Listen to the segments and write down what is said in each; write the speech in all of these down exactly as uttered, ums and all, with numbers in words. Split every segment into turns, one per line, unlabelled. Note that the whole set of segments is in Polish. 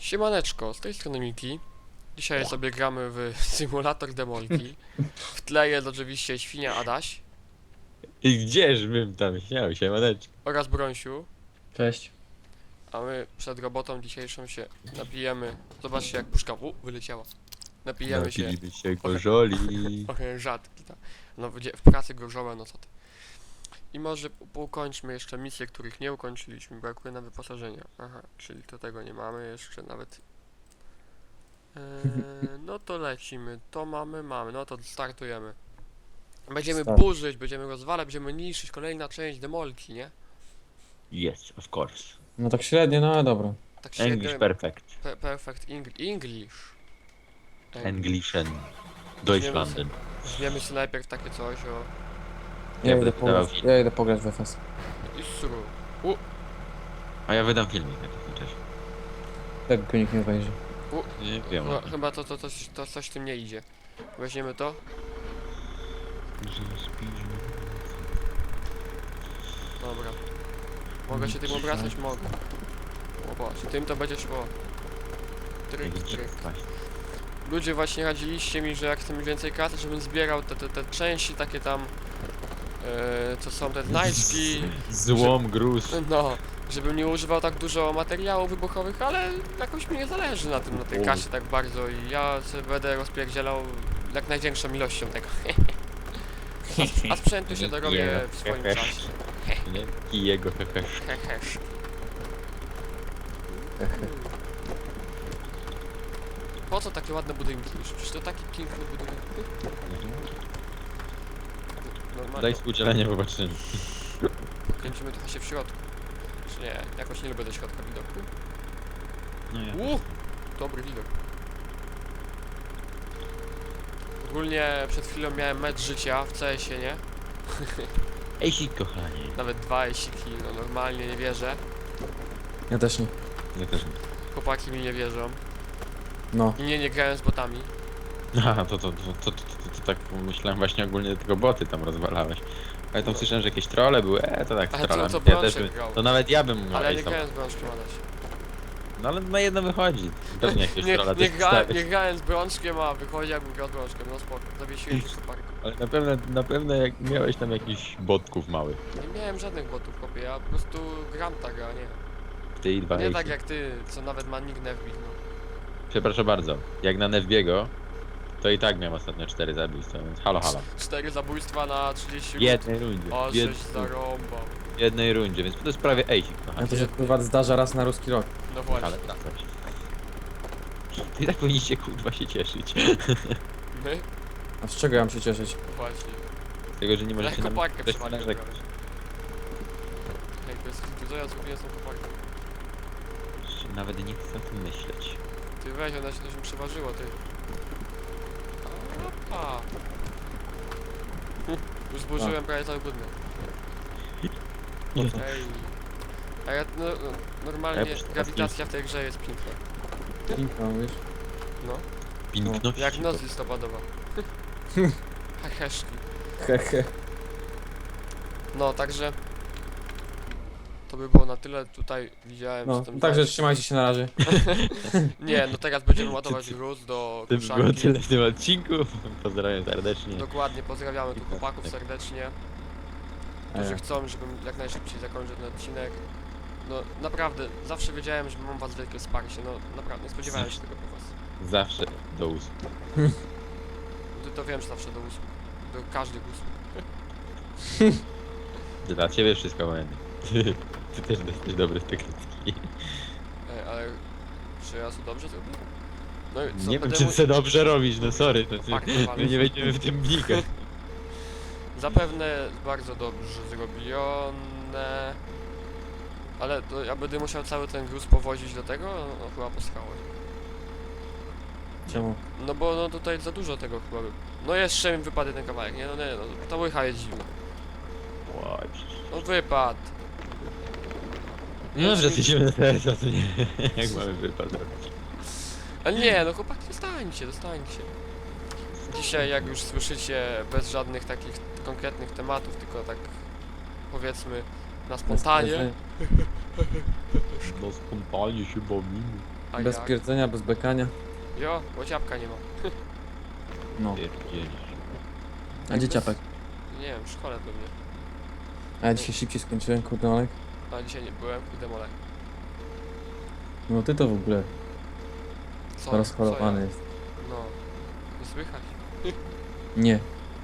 Siemaneczko, z tej strony Miki. Dzisiaj sobie gramy w symulator demolki. W tle jest oczywiście świnia Adaś
I gdzieżbym tam śmiał się, maneczko.
oraz Brąsiu.
Cześć.
A my przed robotą dzisiejszą się napijemy. Zobaczcie jak puszka u, wyleciała. Napijemy się
Napiliby się gorzoli.
orężatki. Tak. No w, dzie- w pracy gorzołe, no co ty. I może po- ukończmy jeszcze misje, których nie ukończyliśmy. Brakuje na wyposażenie. Aha, czyli to tego nie mamy jeszcze nawet. Eee, no to lecimy. To mamy, mamy. No to startujemy. Będziemy
Start.
burzyć, będziemy rozwalać, będziemy niszczyć. Kolejna część demolki, nie?
Yes, of course.
No tak średnio, no ale dobra.
Tak
English
średnio-
perfect.
pe- perfect Eng- English. Eng-
Englishen. Deutschlanden.
Weźmiemy sobie najpierw takie coś o
Ja,
Ja
idę
będę dawał
pograć,
film.
ja idę pograć w F S.
Isuru.
A ja wydam filmik na tym czasie.
Tak go nikt nie wejrzy.
Nie wiem.
No, chyba to, to, to, to coś tym nie idzie. Weźmiemy to. Dobra. Mogę się tym obracać? Mogę. O Boże, tym to będzie szło. Tryk, tryk. Ludzie właśnie radziliście mi, że jak chcę mieć więcej kasy, żebym zbierał te, te, te części takie tam, e, co są te znajdźki,
Złom, gruz.
no, żebym nie używał tak dużo materiałów wybuchowych, ale jakoś mi nie zależy na tym, na tej
O.
kasie tak bardzo i ja sobie będę rozpierdzielał jak największą ilością tego. A, sp- a sprzętu się dorobię w swoim czasie.
Nie? I jego hehesz.
Hehesz. Po co takie ładne budynki już? Przecież to taki piękny budynek. Normalnie.
Daj współdzielenie, zobaczymy.
Kręcimy trochę się w środku. Czy nie, jakoś nie lubię do środka widoku.
No ja.
Uuu, dobry widok. Ogólnie przed chwilą miałem mecz życia w C S-ie, nie?
Ej, si, kochanie.
Nawet dwa esiki, no normalnie nie wierzę.
Ja też nie.
Ja też nie.
Chłopaki mi nie wierzą.
No.
I nie, nie grałem z botami.
Aha, to, to, to, to, to, to, to tak myślałem właśnie ogólnie, tylko boty tam rozwalałeś. Ale tam
No.
słyszałem, że jakieś trolle były, e, to tak
Ale
z trollem.
to- to
Ja
Brączek
też bym,
grał.
to nawet ja bym mógł
Ale nie
wejść tam.
grałem z brączkiem, Adaś.
No ale na jedno wychodzi. Pewnie jakieś
Nie,
trolla
nie,
też
grałem,
wstawiać.
nie grałem z brączkiem, a wychodzi jakbym grał z brączkiem, no spoko. Zawiesiłem się chłopaku.
Ale na pewno, na pewno jak miałeś tam jakichś botków małych.
Nie miałem żadnych botów, chłopie, ja po prostu gram tak, a nie.
Ty i dwa
Nie
ejki.
tak jak ty, co nawet ma nick Nevbi, no.
Przepraszam bardzo. Jak na Nevbiego, to i tak miałem ostatnio cztery zabójstwa, więc halo halo.
Cztery zabójstwa na trzydzieści
W jednej rundzie.
O,
W, jed...
żeś zarąbał.
w jednej rundzie, więc to jest prawie ejsik,
Ja
kochani.
to się pływa zdarza raz na ruski rok.
No właśnie.
Ale wracać. Ty tak powinniście kurwa się cieszyć.
My?
A z czego ja mam się cieszyć?
Właśnie.
Z tego, że nie możecie
Jak
nam
koparkę
ktoś
przewalił
narzekać.
grałeś. Hej, to jest co ja zrobiłem z tą koparką.
Nawet nie chcę o tym myśleć.
Ty weź, ona się to się przeważyło, ty. Opa. Już zburzyłem prawie cały budynek.
No to.
Ej. A ja, no, no, normalnie
Ja już teraz
grawitacja w tej grze jest piękna.
Piękno, mówisz?
No.
Piękności.
Jak noc listopadowa. Heheszki.
Hehe.
No, także to by było na tyle. Tutaj widziałem,
No,
że tam
także trzymajcie się na razie.
Nie, no teraz będziemy ładować gruz do
To by było
kruszanki.
tyle w tym odcinku. Pozdrawiam serdecznie.
Dokładnie, pozdrawiamy tu chłopaków serdecznie, którzy
E,
chcą, żebym jak najszybciej zakończył ten odcinek. No naprawdę, zawsze wiedziałem, że mam was wielkie wsparcie, no naprawdę, nie spodziewałem się tego po was.
Zawsze do usług.
To, to wiem, że zawsze do usług, do każdych usług.
Dla ciebie wszystko będę. Ty, ty też jesteś dobry w te krecki.
Ej, ale czy ja to dobrze zrobiłem? No i co,
Nie wiem,
będę
czy
musiał-
ty dobrze robisz, no sorry. To
Fakt,
ty,
ale-
my nie będziemy w tym wnikać.
Zapewne bardzo dobrze zrobione. Ale to ja będę musiał cały ten gruz powozić do tego? No, no chyba poschało.
czemu?
No bo no tutaj za dużo tego chyba. by- No jeszcze mi wypadł ten kawałek, nie no nie no, ta łycha jest dziwna.
Oj, przecież.
No wypadł.
No dobrze, idziemy na serca, to nie. Jak mamy wypad robić?
A nie, no chłopaki, dostańcie, dostańcie. Dzisiaj jak już słyszycie, bez żadnych takich konkretnych tematów, tylko tak powiedzmy na spontanie.
No spontanie się bawimy.
A
Bez
jak?
pierdzenia, bez bekania.
Jo, bo ciapka nie ma.
No.
Pierdzielisz.
A gdzie ciapek?
Nie wiem, w szkole pewnie.
A ja dzisiaj szybciej skończyłem, kurde Olek.
A dzisiaj nie byłem, pójdę molek.
No ty to w ogóle
Co?
rozchorowany
Co
jest.
ja? No. Nie słychać.
Nie.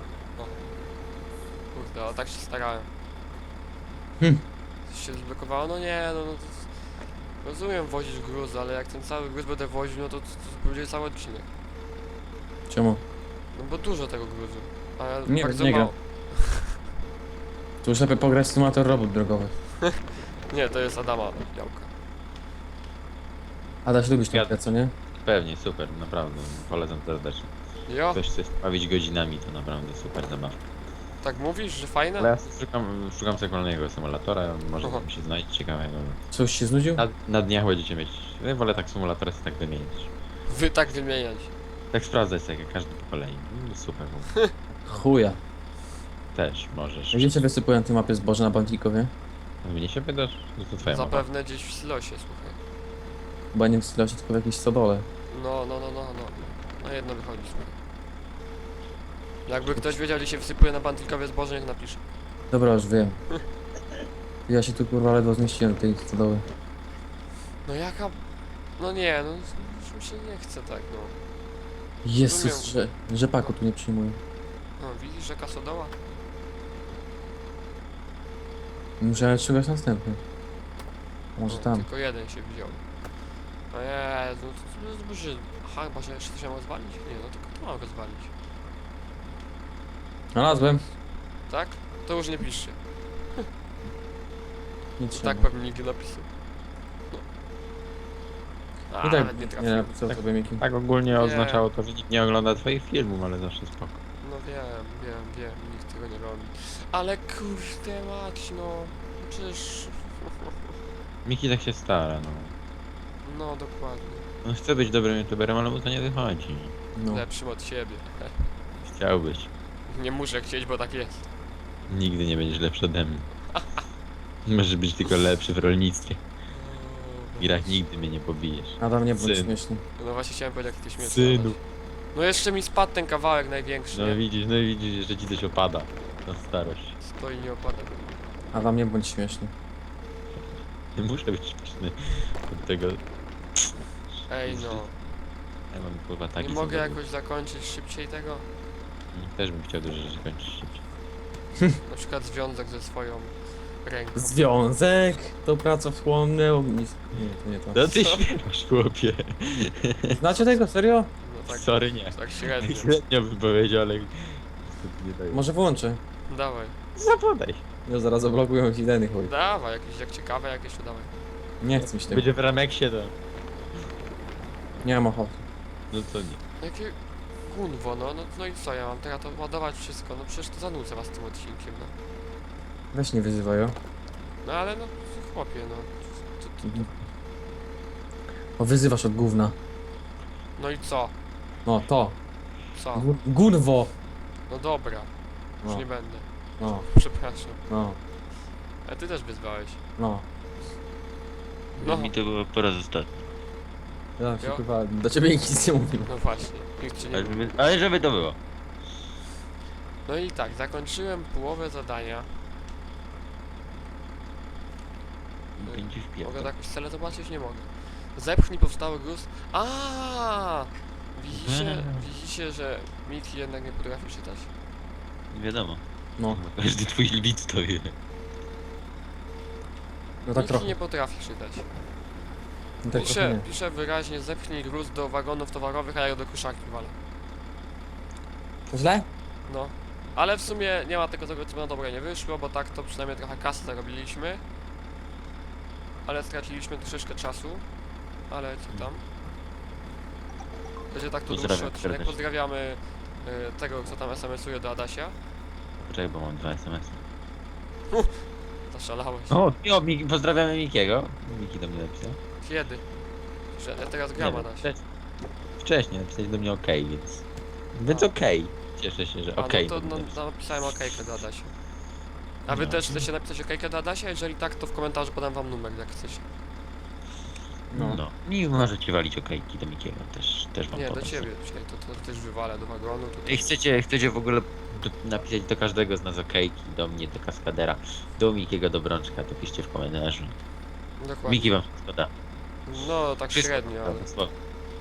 Kurde, a tak się starałem.
Hm.
Coś się zblokowało? No nie, no, no to... Rozumiem wozić gruz, ale jak ten cały gruz będę woził, no to, to, to będzie cały odcinek.
Czemu?
No bo dużo tego gruzu. A
Nie,
bardzo
nie gra.
mało.
Tu już lepiej pograć w symulator robót drogowych.
Nie, to jest Adama działka.
Adaś, lubisz tą
Ja-
grę, co nie?
Pewnie, super, naprawdę. Polecam serdecznie.
Jo,
Ktoś chce bawić godzinami, to naprawdę super zabawa.
tak mówisz, że fajne?
Ale ja szukam, szukam seksualnego symulatora, może
Aha.
mi się znajdzie ciekawego.
Coś się znudził?
Na, na dniach będziecie mieć. Ja wolę tak symulatory sobie tak wymienić.
Wy tak wymieniać.
Tak sprawdzać sobie każdy po kolei. Mm, Super, w ogóle.
Chuja.
Też możesz.
Gdzie się wysypują te mapy zboże na Bantikowie?
Mnie się pytasz? No to twoja mapa.
Zapewne gdzieś w silosie, słuchaj.
Chyba nie w Silosie, tylko w jakiejś stodole.
No, no, no, no, no. No jedno wychodzi, słuchaj. Jakby ktoś wiedział, gdzie się wysypuje na Bantikowie zboże, niech napisze.
Dobra, już wiem. Ja się tu kurwa ledwo zmieściłem do tej stodoły.
No jaka... No nie, no już mi się nie chce tak, no.
Jezus, że rzepaku tu nie przyjmuję.
No widzisz, rzeka Sodoła?
Muszę szukać następny. Może
No,
tam.
Tylko jeden się wziął. O Jezu, no to, to jest duży... Aha, chyba, że jeszcze coś mam rozwalić? Nie, no tylko to mam rozwalić.
Znalazłem.
Tak? To już nie piszcie.
Nic
Tak
trzeba.
pewnie nikt nie napisał. No. A,
I tak
nawet nie
nie
trafiłem.
napisał sobie Miki.
Tak ogólnie
Nie.
oznaczało to, że nikt nie ogląda twoich filmów, ale zawsze spoko.
No wiem, wiem, wiem, nikt tego nie robi. Ale kurde mać, no. Przecież...
Miki tak się stara, no.
No dokładnie.
On chce być dobrym youtuberem, ale mu to nie wychodzi.
No.
Lepszym od siebie.
Chciałbyś.
Nie muszę chcieć, bo tak jest.
Nigdy nie będziesz lepszy ode mnie. Możesz być tylko lepszy w rolnictwie. W grach nigdy mnie nie pobijesz.
Adam, nie bądź
Syn.
śmieszny.
No właśnie chciałem powiedzieć, jak ty śmieszny.
Synu.
Adaś. No jeszcze mi spadł ten kawałek największy,
No
nie?
widzisz, no i widzisz, że ci coś opada na starość.
Stoi nie opada.
Adam, nie bądź śmieszny.
Nie muszę być śmieszny od tego.
Ej no.
Ja mam kurwa taki
Nie mogę
samochód.
jakoś zakończyć szybciej tego?
Też bym chciał dużo rzeczy kończyć szybciej.
Na przykład związek ze swoją ręką.
Związek to pracochłonne ognisko. Nie, to nie to.
No ty śpiewasz, chłopie.
Znacie tego, serio?
No tak,
Sorry, nie.
tak średnio.
Średnio bym powiedział, ale... niestety nie daję.
Może włączę.
Dawaj.
Zapodaj.
No zaraz zablokują ci dany chuj.
Dawaj, jakieś jak ciekawe jakieś to dawaj.
Nie chcę mi się tego.
Będzie w Rameksie to...
Nie mam ochoty.
No to nie.
Jakie gunwo, no, no, no i co, ja mam teraz to ładować wszystko, no przecież to zanudzę was tym odcinkiem, no.
Weź nie wyzywaj, o.
No ale no, chłopie, no. To, to, to.
O, wyzywasz od gówna.
No i co?
No, to.
Co?
Gu- Gunwo.
No dobra, już
No,
nie będę.
no,
Przepraszam.
no,
A ty też wyzwałeś.
no.
No.
Mi to było po raz ostatni.
Ja się
Jo.
chyba do ciebie nic nie mówił.
No właśnie, nikt cię nie
Ale
lubi.
żeby, ale żeby to było.
No i tak, zakończyłem połowę zadania.
Pięciu w
Mogę
pierdol.
jakąś celę zobaczyć? Nie mogę. Zepchnij powstały gruz. A, Widzicie, widzicie, że Miki jednak nie potrafi czytać?
Nie wiadomo.
No,
Każdy twój widz to wie.
no tak
Miki
trochę.
nie potrafi czytać.
No tak trochę
Pisze,
nie.
pisze wyraźnie, zepchnij gruz do wagonów towarowych, a ja do kuszaki walę.
To źle?
No. Ale w sumie nie ma tego, tego co na dobre nie wyszło, bo tak to przynajmniej trochę kasy zarobiliśmy. Ale straciliśmy troszeczkę czasu. Ale co tam? Będzie tak to dłuższy
Pozdrawiam
odcinek.
serdecznie.
Pozdrawiamy y, tego, kto tam es em esuje do Adasia.
Poczekaj, bo mam dwa es em esy.
Zaszalałeś.
O, o Miki, pozdrawiamy Mikiego. Miki do mnie napisał.
Kiedy? Że ja teraz
Nie
gram
wiem,
Adaś.
wcześniej- Wcześniej napisałeś do mnie okej, więc... Więc
A.
okej. Cieszę się, że
A
okej.
no to no,
będę-
napisałem okejkę do Adasia. A wy
No.
też chcecie napisać okejkę do Adasia? Jeżeli tak, to w komentarzu podam wam numer, jak chcecie.
No.
No. I możecie walić okejki do Mikiego, też, też wam
Nie, do
podam.
ciebie, czekaj, to, to też wywalę do wagonu. To
I chcecie, chcecie w ogóle do, napisać do każdego z nas okejki, do mnie, do Kaskadera, do Mikiego, do Brączka, to piszcie w komentarzu.
dokładnie.
Miki wam wszystko da.
No, tak
Wszystko
średnio, ale...
dosłownie.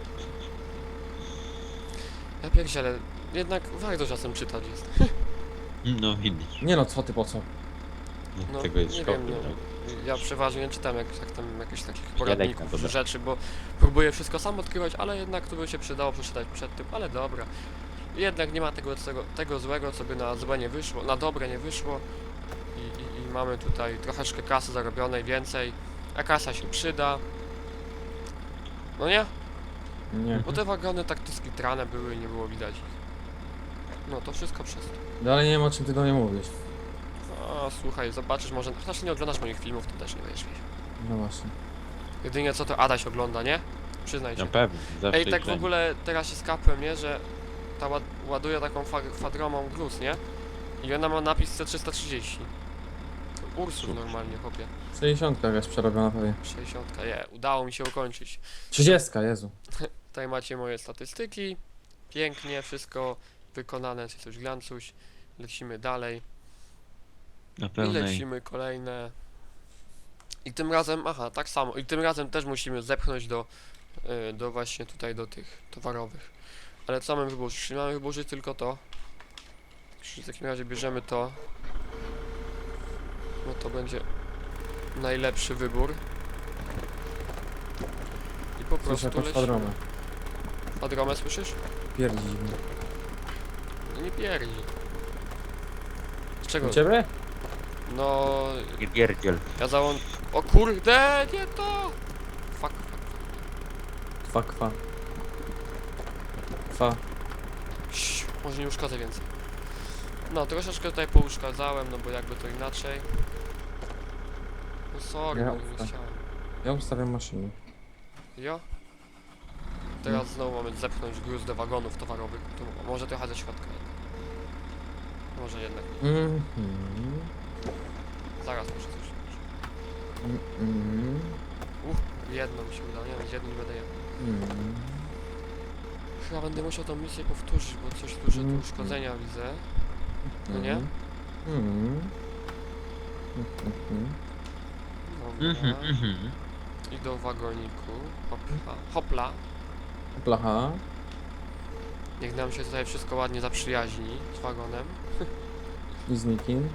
Ja pierdzielę, jednak warto czasem czytać jest.
No widzisz.
Nie no, co ty, po co?
No,
Tego jest
nie
szkoda.
wiem, no. Ja przeważnie czytam jak, jak tam jakieś takich
na
poradników,
dobra.
rzeczy, bo próbuję wszystko sam odkrywać, ale jednak to by się przydało przeczytać przed tym, ale dobra. Jednak nie ma tego, tego, tego złego, co by na złe nie wyszło, na dobre nie wyszło i, i, i mamy tutaj troszeczkę kasy zarobionej, więcej, a kasa się przyda. No nie?
Nie.
Bo te wagony tak skitrane były i nie było widać ich. No to wszystko przez to.
Dalej nie wiem, o czym ty do mnie mówisz.
A słuchaj, zobaczysz może, chociaż nie oglądasz moich filmów, to też nie będziesz wiedział.
No właśnie.
Jedynie co to Adaś ogląda, nie? Przyznaj się.
No pewnie, zawsze
Ej, tak
i
w
wszędzie.
ogóle teraz się skapłem, nie? Że ta ład ładuje taką fa kwadromą gruz, nie? I ona ma napis C trzysta trzydzieści. Ursus
Super.
normalnie, chłopie.
sześćdziesiątka jakaś przerobiona pewnie.
sześćdziesiąt, je, udało mi się ukończyć.
trzydzieści, Jezu.
Tutaj macie moje statystyki. Pięknie, wszystko wykonane, czy coś glancuś. Lecimy dalej.
Na
I
pełnej.
lecimy kolejne. I tym razem, aha, tak samo. I tym razem też musimy zepchnąć do, y, do właśnie tutaj do tych towarowych. Ale co mamy wyburzyć? Czyli mamy wyburzyć tylko to. Czyli w takim razie bierzemy to. No to będzie najlepszy wybór. I po
Słyszę
prostu
jakąś
lecimy.
kwadromę.
Kwadromę słyszysz?
Pierdzi mnie.
No nie pierdzi. Z czego?
U ciebie?
No,
Nie pierdziel.
ja załą... O kurde, nie to! Fuck.
Kwa, kwa. Kwa.
Ś, może nie uszkodzę więcej. No, troszeczkę tutaj pouszkadzałem, no bo jakby to inaczej. No sorry,
Ja
no, nie
ustaw-
chciałem.
Ja ustawiam maszynę.
Jo? Teraz znowu mamy zepchnąć gruz do wagonów towarowych. To może trochę ze środka jednak. Może jednak nie.
Mhm.
Zaraz muszę coś zrobić.
Mhm.
Uch, jedno mi się udało, nie wiem, z jednym nie będę jadł.
Mhm.
Chyba będę musiał tą misję powtórzyć, bo coś duże tu
Mhm.
uszkodzenia widzę. No nie?
Mhm. Mhm.
Dobra.
Mhm, mhm.
I do wagoniku. Hopla. Hopla.
Placha.
Niech nam się tutaj wszystko ładnie zaprzyjaźni z wagonem.
I z nikim.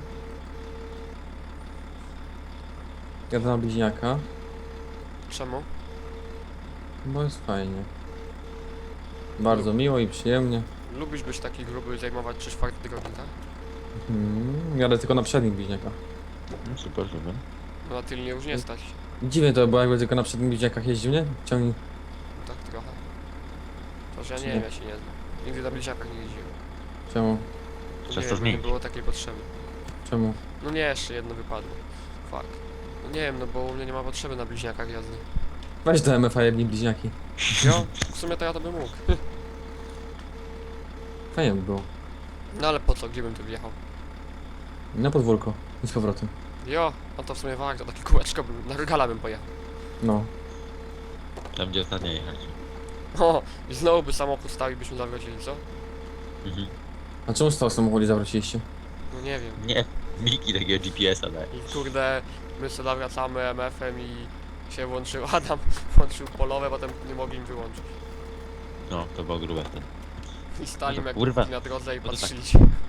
Jadę na bliźniaka.
Czemu?
Bo jest fajnie. Bardzo miło i przyjemnie.
Lubisz być taki gruby i zajmować trzy czwarte drogi, tak?
Mhm. Jadę tylko na przednim bliźniaka.
No super, super.
No na tylnie już nie stać.
Dziwnie to było, jakby tylko na przednim bliźniakach jeździł, nie? Ciągnij.
Tak trochę. To, że ja
Czy
nie
nie?
wiem, ja się nie znam. Nigdy na bliźniakach nie jeździłem.
Czemu?
No
Czas
nie
to
wiem, nie
zmienić.
było takiej potrzeby.
Czemu?
No nie, jeszcze jedno wypadło. Fuck. No nie wiem, no bo u mnie nie ma potrzeby na bliźniakach jazdy.
Weź do M F A jedni bliźniaki.
Jo, w sumie to ja to bym mógł.
Fajnie by było.
No ale po co, gdzie bym tu wjechał?
Na podwórko. I z powrotem.
Jo, no to w sumie warto, takie kółeczko bym, na regala bym pojechał.
No.
Tam gdzie ostatnio jechać.
O, i znowu by samochód stał i byśmy zawrócili, co?
Mhm.
A czemu z tego samochodu zawróciliście?
No nie wiem.
Nie, Miki takiego G P S a daje.
I kurde, my sobie nawracamy M F-em i się włączył Adam, włączył polowe, potem nie mogli im wyłączyć.
No, to było grube wtedy.
I stali
No to
jak
kurwa.
kurwa na drodze i
No to tak.
patrzyli.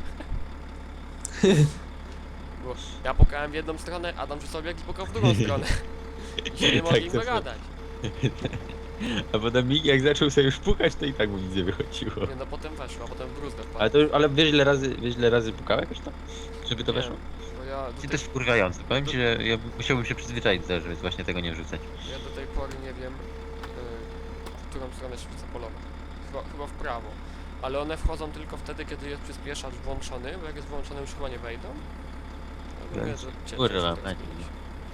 Bo ja pokałem w jedną stronę, Adam przy sobie pokał w drugą stronę. I się nie mogli
Tak
im
to
dogadać.
A potem Miki jak zaczął sobie już pukać, to i tak mu nic nie wychodziło.
Nie, no potem weszło, a potem w gruzdę wpadł.
Ale to, ale wiesz ile razy, wiesz ile razy pukał jakoś tam? Żeby to
Nie,
weszło?
Bo ja do,
Ci
tej,
też wkurwiające. Powiem ci, że ja musiałbym się przyzwyczaić do tego, żeby właśnie tego nie wrzucać.
ja do tej pory nie wiem, yy, w którą stronę szybce polowe. Chyba, chyba w prawo. Ale one wchodzą tylko wtedy, kiedy jest przyspieszacz włączony, bo jak jest włączony już chyba nie wejdą. Ale mówię,
Więc,
że cię-
kurwa,
ciężko tak
mać.
zmienić.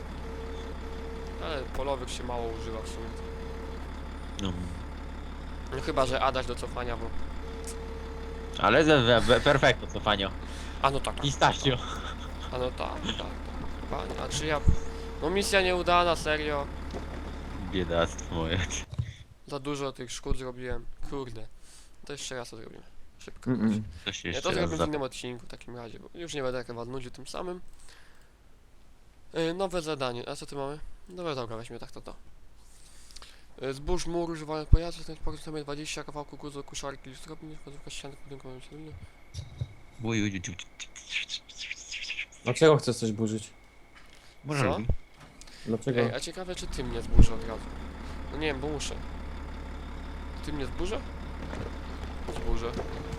Ale polowych się mało używa w sumie.
No.
No chyba, że Adaś do cofania, bo...
Ale ze, we, we, perfekto cofanie.
A no tak.
Pistachio.
A no tak, tak, tak. Chyba nie. A czy ja... No misja nieudana, serio.
Biedactwo moje.
Za dużo tych szkód zrobiłem. Kurde. To jeszcze raz to zrobimy. Szybko.
Mm -mm.
To się
Ja
jeszcze
to
raz
zrobimy w
zap...
innym odcinku w takim razie, bo już nie będę chyba nudził tym samym. Yy, nowe zadanie. A co tu mamy? Dobra, dobra, weźmy tak to to. Yy, Zbóż mur używając pojazdu, ten sport sobie dwadzieścia kawałków kuzu, kuszarki, stropni, pozówka ściany budynku mamy cywilny.
Uj, uj, uj, uj.
Dlaczego chcesz coś burzyć?
Może
Co?
lubi?
Dlaczego?
Ej, a ciekawe czy ty mnie zburzy od razu. No nie wiem, bo muszę. Ty mnie zburzę? Zburzę.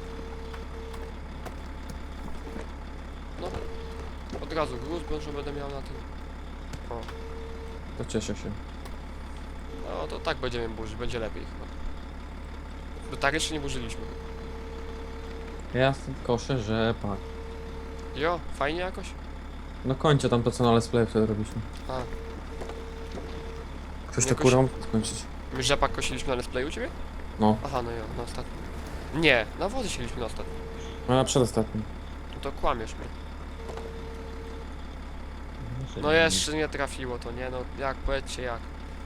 No. Od razu gruz, bo że będę miał na tym. O.
To cieszę się.
No to tak będziemy burzyć, będzie lepiej chyba. Bo tak jeszcze nie burzyliśmy.
Ja koszę rzepak.
Jo, fajnie jakoś?
No kończę tam to co na Let's Play wtedy robiliśmy.
A,
Ktoś to
Jakoś-
kurą skończyć.
my rzepak kosiliśmy na Let's Play u ciebie?
No.
Aha, no jo, na ostatnim. Nie, na wodzie siedzieliśmy na ostatnim.
No na przedostatnim.
No to kłamiesz mnie. No jeszcze nie trafiło to, nie no, jak, powiedzcie jak.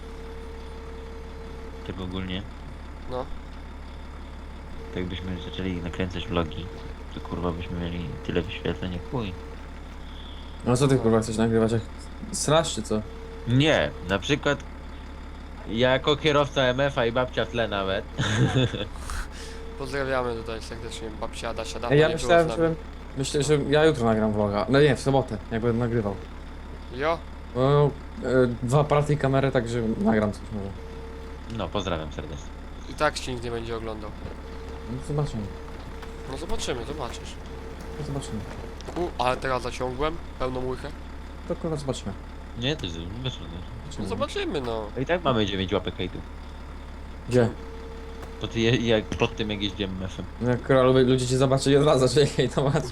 Tak ogólnie,
No.
tak byśmy zaczęli nakręcać vlogi, to kurwa byśmy mieli tyle wyświetleń jak chuj.
No co ty kurwa chcesz nagrywać? Jak srasz czy co?
Nie, na przykład ja jako kierowca M F a i babcia w tle nawet.
Pozdrawiamy tutaj serdecznie babcia Adasia, dawno
Ej, ja
nie było
myślałem,
z
że...
nami.
Myślę, że ja jutro nagram vloga. No nie, w sobotę, jak będę nagrywał.
Jo,
No, e, dwa aparaty i kamerę, także nagram coś może.
No, pozdrawiam serdecznie.
i tak ci nikt nie będzie oglądał.
No zobaczymy.
No zobaczymy, zobaczysz.
No zobaczymy.
U, ale teraz zaciągłem, pełną łychę.
To kurwa zobaczymy.
Nie, to jest wyszło.
No zobaczymy no.
I tak mamy dziewięć łapek hejtu.
Gdzie?
Po, ty, jak, pod tym jak jeździłem M F em.
No jak kurwa ludzie- ludzie cię zobaczyli od razu, że jej to masz.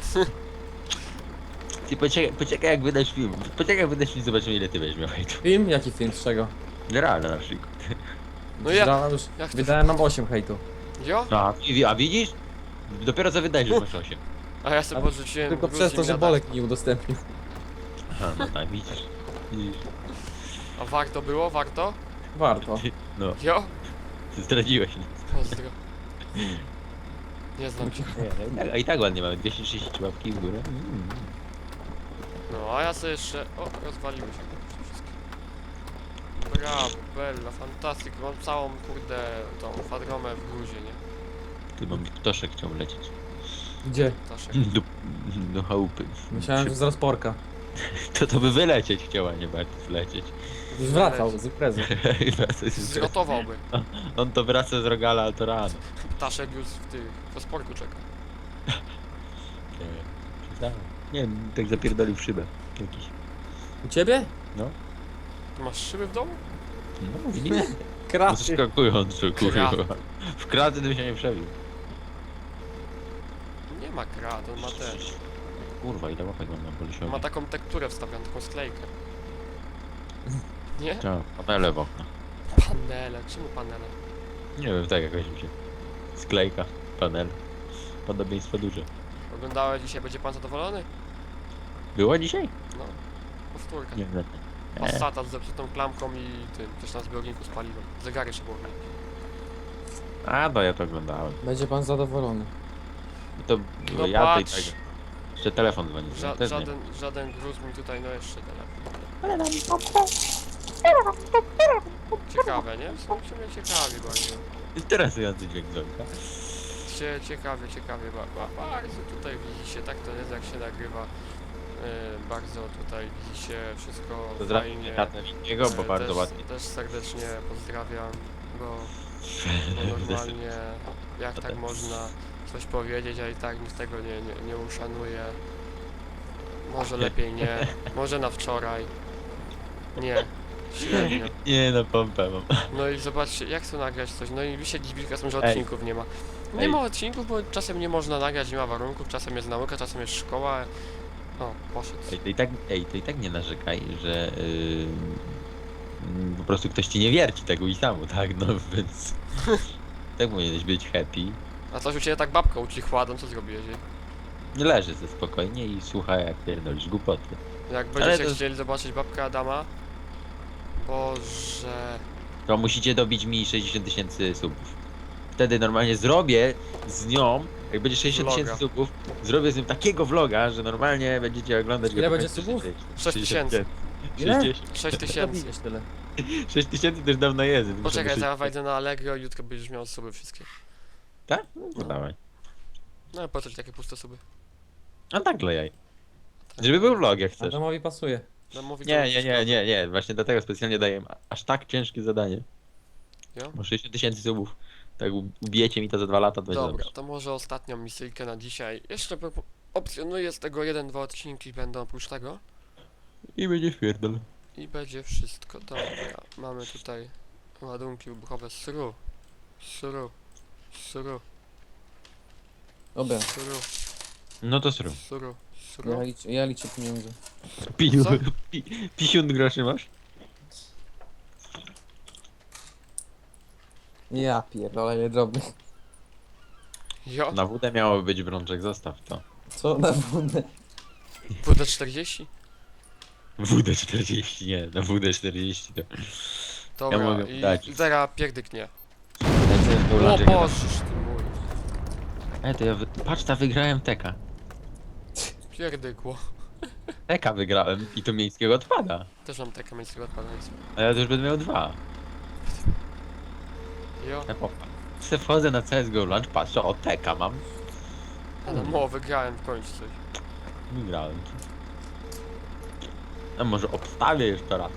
Ty poczekaj, poczekaj jak wydasz film. Poczekaj jak wydasz film, zobaczymy ile ty będziesz miał hejtu.
Film? Jaki film? Z czego?
Realne na przykład.
No ja,
Wydałem już,
jak to-
wydałem nam osiem hejtu.
jo?
A, i- a widzisz? Dopiero co wydajesz, że masz osiem.
A ja sobie
Ale
podrzuciłem
Tylko
gruz
przez to, że
ziemniaczany.
Bolek mi udostępnił.
Aha, no tak, widzisz. Widzisz.
A warto było? Warto?
Warto.
No,
Jo?
ty zdradziłeś.
Pozdro. Nie znam cię.
A i tak ładnie mamy, dwieście trzydzieści trzy łapki w górę. Mm.
No a ja sobie jeszcze... O, rozwaliły się wszystkie. Brawo, bella, fantastyk. Mam całą, kurde, tą fadromę w gruzie, nie?
Ty, bo mi ptoszek chciał lecieć.
Gdzie?
Staszek.
Do, do chałupy.
Myślałem, że z rozporka.
To to by wylecieć chciała, nie bardzo wlecieć.
Już wracał z imprezy.
Zrotowałby.
On to wraca z Rogala, ale to rano.
Ptaszek już w tych... w sporku czeka.
Nie wiem. Przestałem. Nie wiem, tak zapierdolił w szybę. Jakiś.
U ciebie?
No.
Ty masz szyby w domu?
No, widzisz? No
Kraty.
zaskakująco, kurwa.
Kraty.
W kraty to by się nie przebił.
Nie ma krat, on ma ten.
Kurwa, ile łapek mam na
Ma
polisiowie?
taką tekturę wstawioną, taką sklejkę. Nie?
Tak, panele w okna.
Panele, czemu panele?
Nie wiem, tak jakoś mi się... Sklejka, panel. Podobieństwo duże.
Oglądałeś dzisiaj, będzie pan zadowolony?
Było dzisiaj?
No. Powtórka.
Nie wiem. E,
Passata z zepsutą klamką i tym, też na zbiorniku spaliłem. Zegary trzeba było mieć.
A, no ja to oglądałem.
Będzie pan zadowolony.
To
No
ja to i
patrz.
tak. Jeszcze telefon dzwoni.
Ża
też nie.
żaden, żaden gruz mi tutaj, no jeszcze telefon. Ciekawe, nie? W sumie w sumie ciekawie bardzo.
Interesujący dźwięk dzwonka.
Cie, ciekawie, ciekawie, ba, ba, bardzo tutaj widzi się, tak to jest jak się nagrywa. Yy, bardzo tutaj widzi się wszystko
Pozdrawiam
fajnie.
tatę Wikiego, bo
Yy,
bardzo
też,
ładnie.
Też serdecznie pozdrawiam, bo, bo normalnie jak tak można coś powiedzieć, a i tak nikt tego nie, nie, nie uszanuje. Może lepiej nie, może na wczoraj. Nie, średnio.
Nie no, pompę mam.
No i zobaczcie, jak tu nagrać coś. No i Wisiek Gibilka są, że
Ej.
odcinków nie ma. Nie
Ej.
ma odcinków, bo czasem nie można nagrać, nie ma warunków, czasem jest nauka, czasem jest szkoła. O, poszedł.
Ej, to i tak, ej, to i tak nie narzekaj, że yy, mm, po prostu ktoś ci nie wierci tego i samo, tak? No więc tak powinieneś być happy.
A coś u ciebie tak babka ucichła, no co zrobiłeś jej?
Nie leży ze spokojnie i słuchaj jak pierdolisz głupoty.
Jak
Ale
będziecie
to-
chcieli zobaczyć babkę Adama, Boże...
to musicie dobić mi sześćdziesiąt tysięcy subów. Wtedy normalnie zrobię z nią, jak będzie sześćdziesiąt
Vloga.
tysięcy subów, zrobię z nią takiego vloga, że normalnie będziecie oglądać go.
Ile
po
będzie
prostu
subów?
sześćdziesiąt.
sześć tysięcy.
Ile?
sześćdziesiąt.
sześć tysięcy.
Zabijesz tyle.
sześć tysięcy to już dawno jest. więc
Poczekaj,
muszę
zaraz
być-
wejdę na Allegro i jutro będziesz miał suby wszystkie.
Tak? No to dawaj.
No po co ci takie puste suby?
No tak klejaj. Żeby był vlog jak chcesz.
Adamowi pasuje.
No mówi
Nie, nie, nie, nie, nie. Właśnie dlatego specjalnie daję aż tak ciężkie zadanie.
Jo?
Bo sześćdziesiąt tysięcy subów. Tak u- ubijecie mi to za dwa lata, to będzie
Dobra,
dobrze.
to może ostatnią misyjkę na dzisiaj. Jeszcze propo- opcjonuję z tego jeden, dwa odcinki będą oprócz tego.
I będzie wpierdol.
I będzie wszystko. Dobra, mamy tutaj ładunki wybuchowe. Sru. Sru. Sru.
Dobra,
Sru.
No to sru.
Sru.
ja
Sru.
liczę, ja liczę pieniądze.
Piu,
Co?
pi, pisiąt groszy masz?
Ja pierdolę, ile drobnych.
Jo?
Na wódę miało być brączek, zostaw to.
Co na wódę?
W D czterdzieści?
W D czterdzieści, nie, na W D czterdzieści to...
Dobra,
mogę
i
dać.
teraz pierdyknie.
to
O
Blanczek nie da.
bożeż ty mój.
Ej, to ja wy... Patrz, ta wygrałem Teka.
Pierdykło.
Teka wygrałem i to miejskiego odpada.
Też mam takie miejsce odpadające.
A ja to już będę miał dwa.
Jo?
Ja popa. Se wchodzę na C S G O Launch, patrzę, o Teka mam.
Ale o, wygrałem w końcu coś.
Wygrałem. A może obstawię jeszcze raz.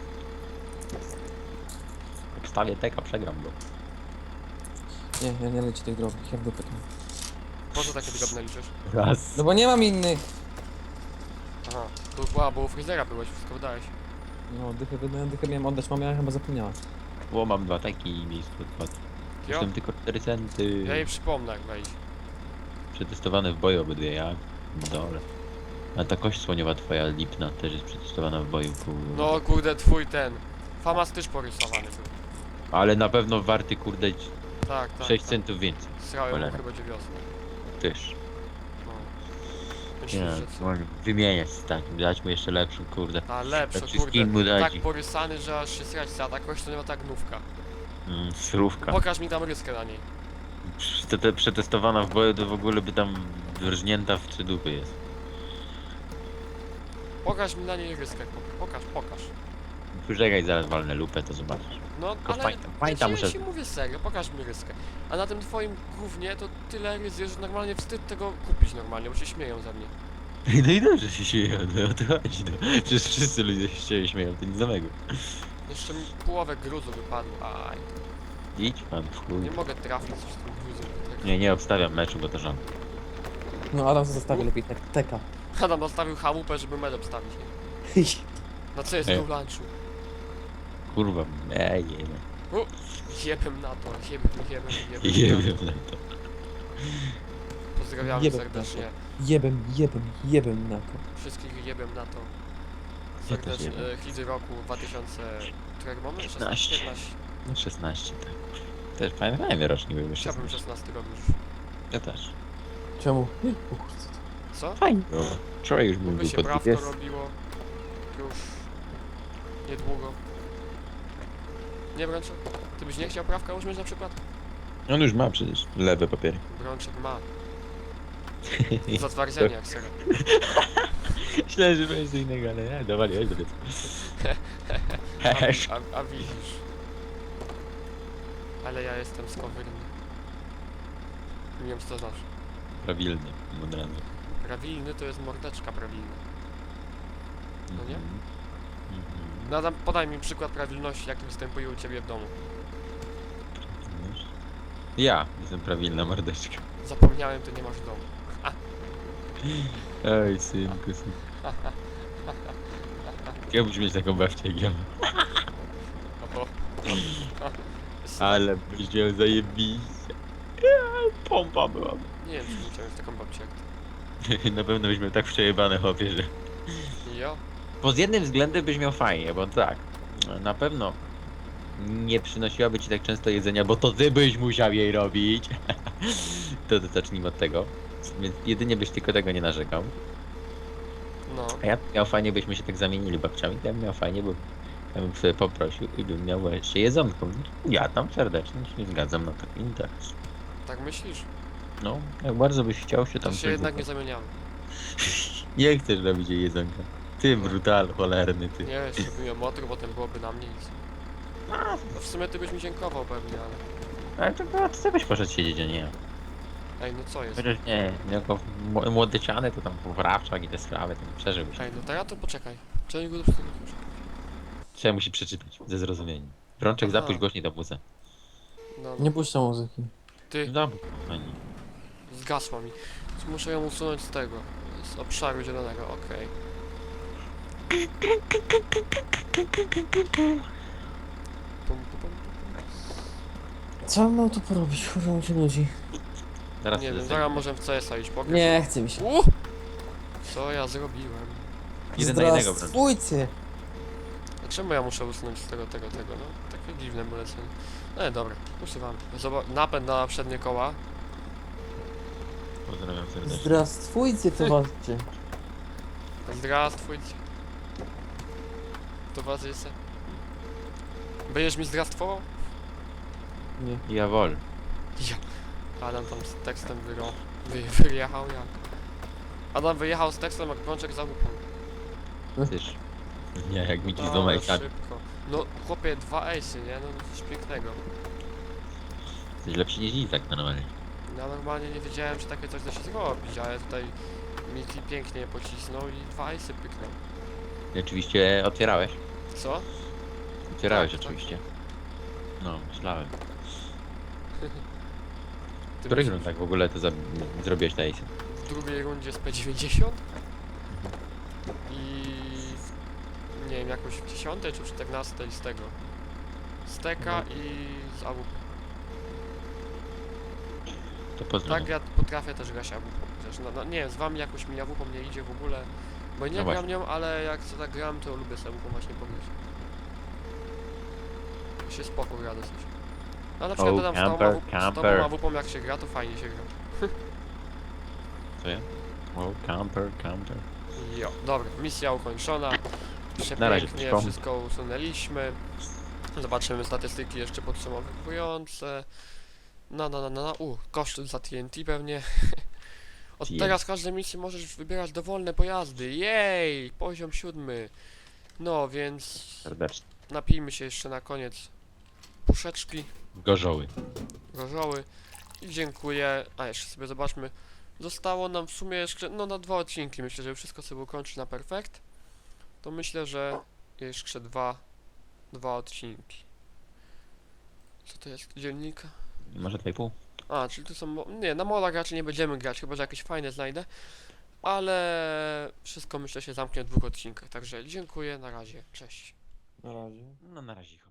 Obstawię Teka, przegram go.
Nie, ja nie leci tych drobnych, ja w dupę.
Po co takie drobne liczysz?
Raz.
No bo nie mam innych.
Aha. Tu, a, bo u fryzjera byłeś, wszystko wydałeś.
No, dychę, dychę, dychę miałem oddać, mamie, ale chyba zapomniała.
Bo mam dwa Teki i miejsce odpad.
Jo?
Jestem tylko cztery centy.
Ja jej przypomnę jak wejść.
Przetestowane w boju obydwie, ja dole. A ta kość słoniowa twoja lipna też jest przetestowana w boju, kurde.
No kurde, twój ten. Famas też porysowany był.
Ale na pewno warty kurde
Tak, tak.
sześć
tak.
centów więcej.
Srałem mu
Cholera.
chyba dziewiosnę.
Też.
No. Myślisz,
Nie,
że co?
no, wymieniać z takim, dać mu jeszcze lepszą, kurde.
A lepsze,
Tak
kurde.
wszystkim mu dać.
Tak porysany, że aż się srać chce, a ta kość to nie ma tak gnówka.
Mm, surówka.
Pokaż mi tam ryskę na niej.
Przete- Przetestowana w boju to w ogóle by tam wrżnięta w trzy dupy jest.
Pokaż mi na niej ryskę, po- pokaż, pokaż.
Poczekaj, zaraz walnę lupę, to zobaczysz.
No,
Tylko
ale
fajta- fajta
ja ci-
muszę-
ja ci mówię serio, pokaż mi ryskę. A na tym twoim gównie to tyle rys jest, że normalnie wstyd tego kupić normalnie, bo się śmieją ze mnie.
No i dobrze się śmieją, no o to chodzi, no. Przecież wszyscy ludzie się śmieją, to nic nowego.
Jeszcze mi połowę gruzu wypadło, aj.
Idź pan w chuj.
Nie mogę trafić z tym gruzem. Tak.
Nie, nie obstawiam meczu, bo to żon.
No, Adam zostawi lepiej tek, teka.
Adam nastawił chałupę, żeby medal obstawić, nie? Na co jest
Ej.
w lunchu?
Kurwa, ej, nie,
Jebem na to, jebem, jebem, jebem.
nie
na
wiem
to.
na to.
Pozdrawiamy
Jebem
serdecznie.
Jebem, jebem, jebem na to.
Wszystkich jebem na to.
Ja też
Serdecznie.
jebem.
E, Hidy roku dwa tysiące... Którego mamy?
szesnaście.
piętnaście.
No szesnaście, tak. Też pamiętałem rocznik był
Chciałbym
szesnaście.
szesnasty rok już.
Ja też.
Czemu? O kurde.
Co?
Fajnie. No, wczoraj już
By
był
się
pod
prawko
dwudziestą.
robiło. Już... Niedługo. Nie, Brączek? Ty byś nie chciał prawka użyć na przykład?
On już ma przecież lewe papiery.
Brączek ma. Zatwardzenie jak sera.
Myślałem, że będzie co innego, ale nie, dawali, chodź do pieca.
A, a, a widzisz. Ale ja jestem skowyrny. Nie wiem co to znaczy.
Prawilnie, od razu.
Prawilny to jest mordeczka prawilna. No nie?
Mhm. Mhm.
No Adam, podaj mi przykład prawilności, jaki występuje u ciebie w domu.
Ja jestem prawilna mordeczka.
Zapomniałem, ty nie masz domu.
Oj, synku, synku. Chciałbyś mieć taką babcię jak ja.
Oho.
Ale byś miał zajebiście. Ja, pompa była.
Nie wiem, czy musiałem taką babcię jak ty.
Na pewno byś miał tak przejebane chłopie, że...
Jo?
Pod jednym względem byś miał fajnie, bo tak, na pewno nie przynosiłaby ci tak często jedzenia, bo to ty byś musiał jej robić. To, to zacznijmy od tego. Więc jedynie byś tylko tego nie narzekał.
No.
A ja bym miał fajnie, byśmy się tak zamienili babciami, to ja bym miał fajnie, bo Ja bym sobie poprosił i bym miał jeszcze jedzonko. Ja tam serdecznie się nie zgadzam na taki interes.
Tak myślisz?
No, jak bardzo byś chciał się
To
tam
się
coś
jednak nie
wypo-
zamieniamy.
Nie chcesz robić jej jedzonka. Ty brutal, cholerny ty.
Nie, jeszcze bym miał motor, potem byłoby na mnie nic. No w sumie ty byś mi dziękował pewnie, ale...
Ale to chyba ty byś poszedł siedzieć, a nie ja.
Ej, no co jest?
Chociaż nie, jako mł- młody ciany to tam poprawczak i te sprawy, to przeżyłbyś.
Ej, no to ja to poczekaj. Czemu go do przodu?
Trzeba musi przeczytać, ze zrozumieniem. Brączek,
Aha.
zapuść głośniej do muza.
No,
Nie puszczę muzyki.
ty,
Zapuść, pani.
zgasła mi. Muszę ją usunąć z tego. Z obszaru zielonego, okej. Pum, pum, pum, pum.
Co mam tu porobić? Kurwa, mi się nudzi.
Zaraz
Nie
się
wiem,
zastanawiam.
zaraz możemy w C S a iść, pokryć.
Nie, chce mi się.
U! Co ja zrobiłem?
Jeden na jednego brączek.
Zdrastwujcie!
A czemu ja muszę usunąć z tego, tego, tego? No, takie dziwne polecenie. No dobra, usuwamy. Zobacz, napęd na przednie koła.
Pozdrawiam serdecznie.
Zdrastwujcie, towarzysze.
Zdrastwujcie. Towarzysze. Będziesz mi zdrastwował?
Nie.
Ja wol.
Ja. Adam tam z tekstem wyro... Wy, wyjechał jak? Adam wyjechał z tekstem jak pączek za łupą.
Tyż. Nie, jak mi ci z
Ale
doma i
szybko. No chłopie, dwa ace'y, nie? No coś pięknego.
Jesteś lepszy niż Izak normalnie.
Ja normalnie nie wiedziałem, że takie coś da się zrobić, ale tutaj Miki pięknie je pocisnął i dwa ace'y pyknął.
I oczywiście otwierałeś.
Co?
Otwierałeś
Tak, tak.
oczywiście. No, myślałem. W
Ty
których
myślisz,
rundach w ogóle to za... zrobiłeś te ace?
w drugiej rundzie z P dziewięćdziesiąt i w, nie wiem, jakoś w dziesiątej czy w czternastej z tego. Z Teka
No.
i z A W P.
To pozdrawiam.
Tak, ja potrafię też grać A W P. Chociaż no, no nie wiem, z wami jakoś mi A W P nie idzie w ogóle. Bo nie
No
gram
właśnie.
nią, ale jak co tak gram, to lubię z A W P właśnie pograć. To się spoko gra dosyć. A na przykład
Oh,
dodam z
camper,
tą
camper.
A W P jak się gra, to fajnie się gra.
Co ja? O, camper, camper.
Jo, dobra, misja ukończona.
Na razie,
Przepięknie,
trwam.
wszystko usunęliśmy. Zobaczymy statystyki jeszcze podsumowujące. No, no, no, no, no. U, koszty za T N T pewnie. Od
T N T.
teraz każdej misji możesz wybierać dowolne pojazdy. Jej! Poziom siódmy. No, więc
Serdecznie.
napijmy się jeszcze na koniec puszeczki,
Gorzoły.
gorzoły. I dziękuję. A jeszcze sobie zobaczmy. Zostało nam w sumie jeszcze, no na dwa odcinki. Myślę, że wszystko sobie ukończy na perfekt. To myślę, że jeszcze dwa, dwa odcinki. Co to jest? Dziennika?
Może dwa i pół?
A, czyli tu są... mo- Nie, na molach raczej nie będziemy grać, chyba że jakieś fajne znajdę. Ale wszystko myślę się zamknie w dwóch odcinkach. Także dziękuję, na razie, cześć.
Na razie.
No na razie.